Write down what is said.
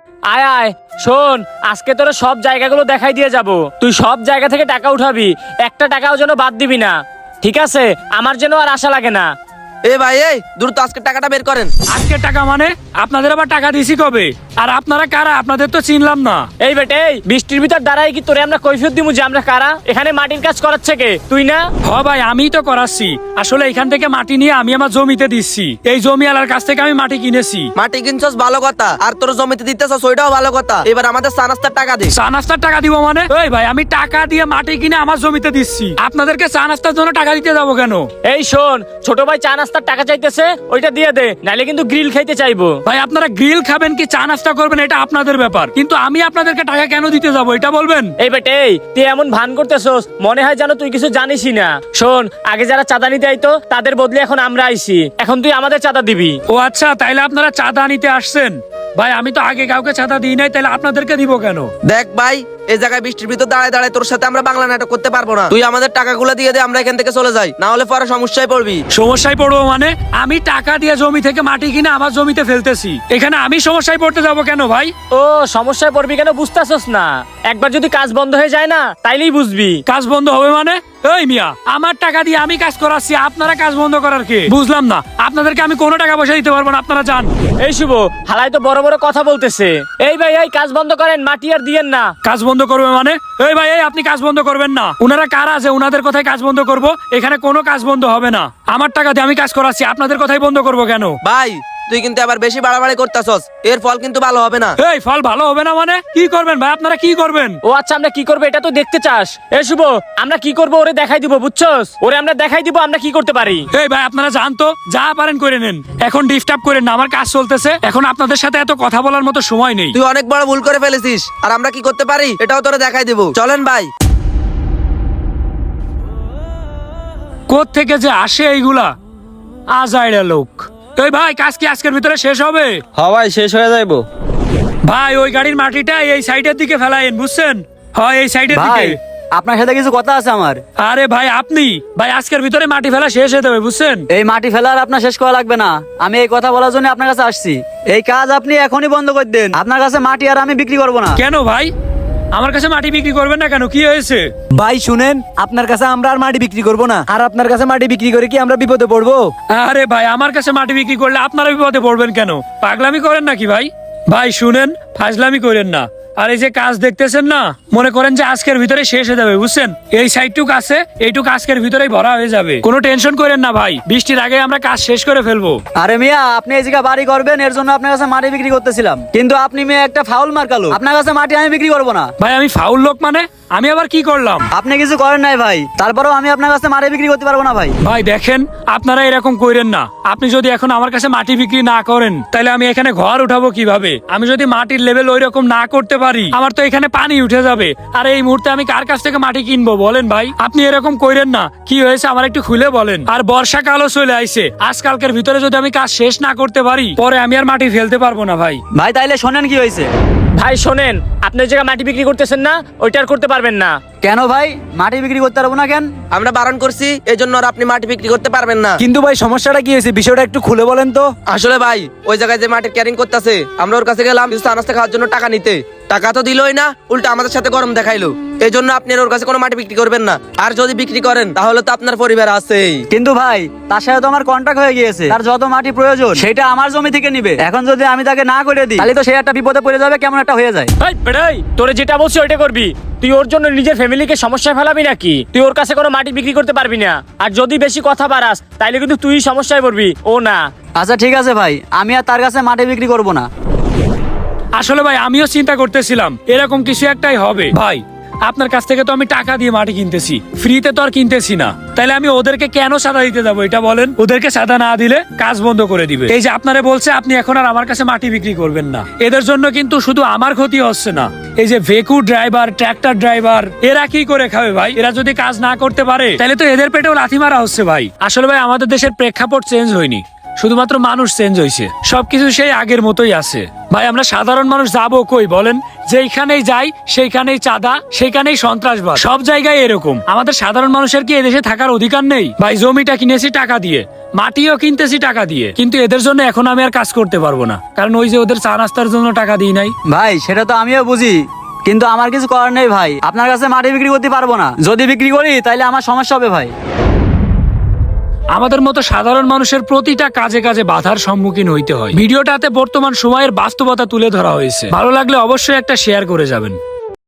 আয় আয় শোন, আজকে তোরা সব জায়গাগুলো দেখাই দিয়ে যাব। তুই সব জায়গা থেকে টাকা উঠাবি, একটা টাকাও যেন বাদ দিবি না, ঠিক আছে? আমার যেন আর আশা লাগে না। ভাই এই দ্রুত আজকে টাকাটা বের করেন। আজকে টাকা মানে আপনাদের আবার টাকা দিছি কবে? আর আপনারা কারা? আপনাদের তো চিনলাম না। এই বেটে, এই বৃষ্টির ভিতর দাঁড়াই কি তোরে আমরা কৈফিয়ত দিমু যে আমরা কারা? এখানে মাটির কাজ করাচ্ছে কে, তুই না? হ ভাই, আমিই তো করাচ্ছি। আসলে এখান থেকে মাটি নিয়ে আমি আমার জমিতে দিচ্ছি। এই জমিওয়ালার কাছ থেকে আমি মাটি কিনেছি। মাটি কিনছস ভালো কথা, আর তোর জমিতে দিতেছস ওইটাও ভালো কথা। এবার আমাদের চা নাস্তার টাকা দে। চা নাস্তার টাকা দিব মানে? এই ভাই, আমি টাকা দিয়ে মাটি কিনে আমার জমিতে দিচ্ছি, আপনাদেরকে চা নাস্তার জন্য টাকা দিতে যাবো কেন? এই শোন, ছোট ভাই চা নাস্তার টাকা চাইতেছে, ওইটা দিয়ে দে, নাইলে কিন্তু গ্রিল খাইতে চাইবো। ভাই, আপনারা গ্রিল খাবেন কি চা নাস্তা করবেন এটা আপনাদের ব্যাপার, কিন্তু আমি আপনাদেরকে টাকা কেন দিতে যাবো এটা বলবেন? এই বেটে, তুই এমন ভান করতেছস, মনে হয় যেন তুই কিছু জানিসই না। শোন, আগে যারা চাঁদা নিতে আইতো তাদের বদলে এখন আমরা আইছি, এখন তুই আমাদের চাঁদা দিবি। ও আচ্ছা, তাইলে আপনারা চাঁদা নিতে আসছেন। ভাই, আমি তো আগে কাউকে চাঁদা দিই নাই, তাইলে আপনাদেরকে দিব কেন? দেখ ভাই, এই জায়গায় বৃষ্টির ভিতর দাঁড়ায় দাঁড়ায় তোর সাথে আমরা বাংলা নাটক করতে পারবো না। তুই আমাদের টাকাগুলো দিয়ে দে, আমরা এখান থেকে চলে যাই, না হলে পরে সমস্যায় পড়বি। সমস্যায় পড়বো মানে? আমি টাকা দিয়ে জমি থেকে মাটি কিনে আমার জমিতে ফেলতেছি, এখানে আমি সমস্যায় পড়তে যাবো কেন ভাই? ও সমস্যায় পড়বি কেন বুঝতেছস না? একবার যদি কাজ বন্ধ হয়ে যায় না, তাইলেই বুঝবি। কাজ বন্ধ হবে মানে? এই মিয়া, আমার টাকা দিয়ে আমি কাজ করাচ্ছি, আপনারা কাজ বন্ধ করার কে? বুঝলাম না, আপনাদেরকে আমি কোনো টাকা পয়সা দিতে পারবো না, আপনারা যান। এই শুভ, হালাই তো বড় বড় কথা বলতেছে। এই ভাই, এই কাজ বন্ধ করেন, মাটি আর দিয়েন না। কাজ বন্ধ করবে মানে? এই ভাই, এই আপনি কাজ বন্ধ করবেন না। উনারা কারা আছে, উনাদের কথাই কাজ বন্ধ করব? এখানে কোনো কাজ বন্ধ হবে না। আমার টাকা দিয়ে আমি কাজ করাচ্ছি, আপনাদের কথাই বন্ধ করব কেন? ভাই তুই কিন্তু আবার বেশি বাড়াবাড়ি করতেছস, এর ফল কিন্তু ভালো হবে না। এই ফল ভালো হবে না মানে? কি করবেন ভাই, আপনারা কি করবেন? ও আচ্ছা, আমরা কি করবো এটা তো দেখতে চাস? এ শুভ, আমরা কি করবো ওরে দেখাই দিব, বুঝছস? ওরে আমরা দেখাই দিব আমরা কি করতে পারি। এই ভাই, আপনারা জান তো, যা পারেন করে নেন, এখন ডিস্টার্ব করেন না, আমার কাজ চলতেছে, এখন আপনাদের সাথে এত কথা বলার মতো সময় নেই। তুই অনেক বড় ভুল করে ফেলেছিস, আর আমরা কি করতে পারি এটাও তোরে দেখাই দেবো। চলেন ভাই। কোথ থেকে যে আসে এইগুলা আজাইরা লোক। এই ভাই, কাজ কি আজকের ভিতরে শেষ হবে? হ্যাঁ ভাই, শেষ হয়ে যাইবো। ভাই, ওই গাড়ির মাটিটা এই সাইডের দিকে ফেলাইন, বুঝছেন? হয় এই সাইডের ভাই, দিকে। আপনার সাথে কিছু কথা আছে আমার। আরে ভাই, আপনি ভাই আজকের ভিতরে মাটি ফেলা শেষ হয়ে যাবে, বুঝছেন? এই মাটি ফেলার আপনার শেষ করা লাগবে না, আমি এই কথা বলার জন্য আপনার কাছে আসছি। এই কাজ আপনি এখনই বন্ধ করে দেন, আপনার কাছে মাটি আর আমি বিক্রি করব না। কেন ভাই, আমার কাছে মাটি বিক্রি করবেন না কেন? কি হয়েছে? ভাই শুনেন, আপনার কাছে আমরা আর মাটি বিক্রি করব না, আর আপনার কাছে মাটি বিক্রি করে কি আমরা বিপদে পড়বো? আরে ভাই, আমার কাছে মাটি বিক্রি করলে আপনারা বিপদে পড়বেন কেন? পাগলামি করেন নাকি ভাই? ভাই শুনেন, ফাজলামি করেন না। আর এই যে কাজ দেখতেছেন না, মনে করেন যে আজকের ভিতরে শেষ হয়ে যাবে, বুঝছেন? এই সাইডটুক আছে, এইটুক আজকের ভিতরেই ভরা হয়ে যাবে, কোনো টেনশন করেন না ভাই, বৃষ্টির আগে আমরা কাজ শেষ করে ফেলবো। আরে মিয়া, আপনি এই জায়গা বাড়ি করবেন, এর জন্য আপনার কাছে মাটি বিক্রি করতেছিলাম, কিন্তু আপনি মেয়ে একটা ফাউল মার্কালো, আপনার কাছে মাটি আমি বিক্রি করব না। ভাই, আমি ফাউল লোক মানে? আমি আবার কি করলাম? আপনি কিছু করেন নাই ভাই, তারপরেও আমি আপনার কাছে মাটি বিক্রি করতে পারবো না ভাই। ভাই দেখেন, আপনারা এরকম কইরেন না। আপনি যদি এখন আমার কাছে মাটি বিক্রি না করেন, তাহলে আমি এখানে ঘর উঠাবো কিভাবে? আমি যদি মাটির লেভেল ওই রকম না করতে পারি, আমার তো এখানে পানি উঠে যাবে। আর এই মুহূর্তে আমি কার কাছ থেকে মাটি কিনবো বলেন ভাই? আপনি এরকম কইরেন না। কি হয়েছে আমার একটু খুলে বলেন। আর বর্ষাকালও চলে আইছে, আজকালকের ভিতরে যদি আমি কাজ শেষ না করতে পারি, পরে আমি আর মাটি ফেলতে পারবো না ভাই। ভাই তাইলে শোনেন কি হয়েছে। ভাই শোনেন, আপনি যে জায়গায় মাটি বিক্রি করতেছেন না, ওইটা আর করতে পারবেন না। কেন ভাই, মাটি বিক্রি করতে পারবো না কেন? আমরা বারণ করছি, এই জন্য আর আপনি মাটি বিক্রি করতে পারবেন না। কিন্তু ভাই সমস্যাটা কি হয়েছে, বিষয়টা একটু খুলে বলেন তো। আসলে ভাই, ওই জায়গায় যে মাটি ক্যারিং করতেছে, আমরা ওর কাছে গেলাম কিছু আনাজ খাওয়ার জন্য টাকা নিতে, টাকা তো দিলই না, উল্টা আমাদের সাথে গরম দেখাইলো। এই জন্য আপনি আর ওর কাছে কোনো মাটি বিক্রি করবেন না। আর যদি বিক্রি করেন তাহলে তো আপনার পরিবার আছেই। কিন্তু ভাই, তার সাথে তো আমার কন্ট্রাক্ট হয়ে গিয়েছে, তার যত মাটি প্রয়োজন সেটা আমার জমি থেকে নিবে। এখন যদি আমি তাকে না করে দিই, তাহলে তো সে একটা বিপদে পড়ে যাবে, কেমন একটা হয়ে যায়। এই বেড়াই, তোরে যেটা বলছি ওইটা করবি। তুই ওর জন্য নিজের ফ্যামিলিকে সমস্যায় ফেলাবি নাকি? তুই ওর কাছে কোনো মাটি বিক্রি করতে পারবি না। আর যদি বেশি কথা বাড়াস, তাইলে কিন্তু তুই সমস্যায় পড়বি, ও না। আচ্ছা ঠিক আছে ভাই, আমি আর তার কাছে মাটি বিক্রি করব না। আসলে ভাই, আমিও চিন্তা করতেছিলাম এরকম কিছু একটাই হবে। ভাই, আপনার কাছ থেকে তো আমি টাকা দিয়ে মাটি কিনতেছি, ফ্রিতে তো আর কিনতেছি না। তাইলে আমি ওদেরকে কেন সাদা দিতে যাবো এটা বলেন? ওদেরকে সাদা না দিলে কাজ বন্ধ করে দিবে। এই যে আপনারা বলছে আপনি এখন আর আমার কাছে মাটি বিক্রি করবেন না, এদের জন্য কিন্তু শুধু আমার ক্ষতি হচ্ছে না। এই যে ভেকু ড্রাইভার, ট্রাক্টর ড্রাইভার, এরা কি করে খাবে ভাই? এরা যদি কাজ না করতে পারে, তাহলে তো এদের পেটেও লাথি মারা হচ্ছে ভাই। আসলে ভাই, আমাদের দেশের প্রেক্ষাপট চেঞ্জ হয়নি। শুধুমাত্র মানুষ চেঞ্জ হয়েছে, সবকিছু সেই আগের মতোই আছে। ভাই আমরা সাধারণ মানুষ যাবো কই বলেন? যেইখানেই যাই সেইখানেই চাঁদা, সেইখানেই সন্ত্রাসবাদ, সব জায়গায় এরকম। আমাদের সাধারণ মানুষের কি এদেশে থাকার অধিকার নেই? ভাই জমিটা কিনেছি টাকা দিয়ে, মাটিও কিনতেছি টাকা দিয়ে, কিন্তু এদের জন্য এখন আমি আর কাজ করতে পারবো না, কারণ ওই যে ওদের চা নাস্তার জন্য টাকা দিই নাই। ভাই সেটা তো আমিও বুঝি, কিন্তু আমার কিছু করার নেই ভাই। আপনার কাছে মাটি বিক্রি করতে পারবো না, যদি বিক্রি করি তাহলে আমার সমস্যা হবে ভাই। আমাদের মতো সাধারণ মানুষের প্রতিটা কাজে কাজে বাধার সম্মুখীন হইতে হয়। ভিডিওটাতে বর্তমান সময়ের বাস্তবতা তুলে ধরা হয়েছে। ভালো লাগলে অবশ্যই একটা শেয়ার করে যাবেন।